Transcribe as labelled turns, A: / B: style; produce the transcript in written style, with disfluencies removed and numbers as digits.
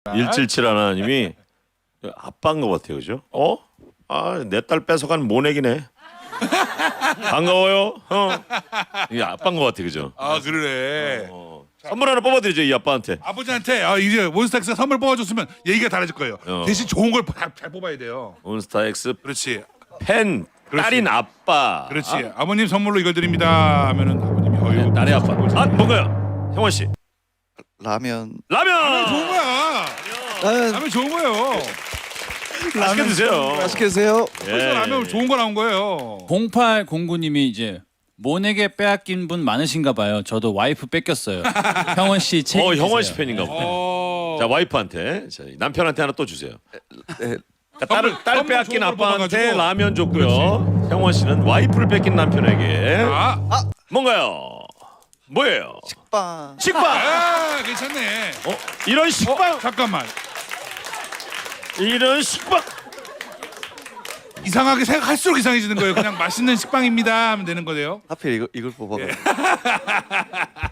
A: 177 하나님이 아빠인 것 같아요, 그죠? 내 딸 뺏어간 모내기네. 반가워요. 이게 아빠인 것 같아, 그죠?
B: 아 그러네.
A: 선물 하나 뽑아드리죠, 이 아빠한테.
B: 아버지한테 이제 몬스타엑스 선물 뽑아줬으면 얘기가 달라질 거예요. 대신 좋은 걸 잘 뽑아야 돼요.
A: 몬스타엑스
B: 그렇지.
A: 팬 딸인 아빠.
B: 그렇지. 아버님 선물로 이걸 드립니다. 하면은 아버님이
A: 네, 딸의 아빠. 뭔가요? 형원 씨.
C: 라면.
A: 라면.
B: 좋은 거야. 라면 좋은 거예요.
A: 맛있게 드세요.
C: 맛있게 드세요.
B: 벌써 라면 좋은 거 나온 거예요.
D: 0809님이 이제 모에게 빼앗긴 분 많으신가 봐요. 저도 와이프 뺏겼어요. 형원 씨 책.
A: 형원 씨 팬인가 보다. 자, 와이프한테, 자, 남편한테 하나 또 주세요.
C: 네.
A: 그러니까 딸
B: 선물
A: 빼앗긴
B: 좋은 걸
A: 아빠한테
B: 뽑아가지고.
A: 라면 줬고요. 형원 씨는 와이프를 뺏긴 남편에게 뭔가요? 뭐예요?
C: 빵.
A: 식빵.
B: 괜찮네.
A: 이런 식빵.
B: 잠깐만.
A: 이런 식빵.
B: 이상하게 생각할수록 이상해지는 거예요. 그냥 맛있는 식빵입니다 하면 되는 거예요.
C: 하필 이걸 뽑아가지고.